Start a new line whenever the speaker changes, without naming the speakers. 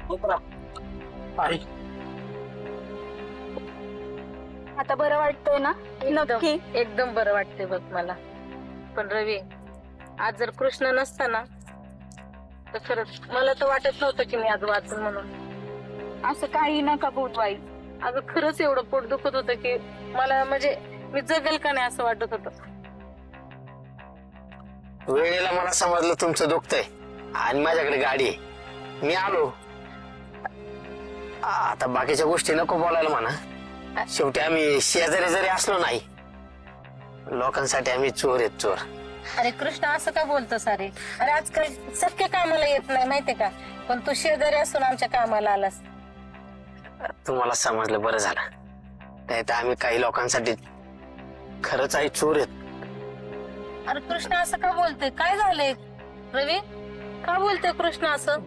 आई
आता बरं वाटतंय ना? नक्की
एकदम बरं वाटतंय बघ मला. पण रवी, आज जर कृष्ण नसता ना तर खरंच मला तर वाटत नव्हतं की मी आज वाचन म्हणून.
असं काही नका बोलू आई.
अगं खरंच एवढं पोट दुखत होतं की मला म्हणजे मी जगेल का नाही असं वाटत होतं.
वेळेला मला समजलं तुमचं दुखतंय आणि माझ्याकडे गाडी आहे, मी आलो. आता बाकीच्या गोष्टी नको बोलायला म्हणा. शेवटी आम्ही शेजारी जरी असलो नाही, लोकांसाठी आम्ही चोर आहेत, चोर.
अरे कृष्ण असं का बोलतो सारे? अरे आजकाल सख्य कामाला येत नाही माहितीये का, पण तू शेजारी असून आमच्या कामाला आलास.
तुम्हाला समजलं बरं झालं. नाही तर आम्ही काही लोकांसाठी खरंच आई चोर आहेत.
अरे कृष्ण असं का बोलतोय? काय झालंय रवी? का बोलतोय कृष्ण असं?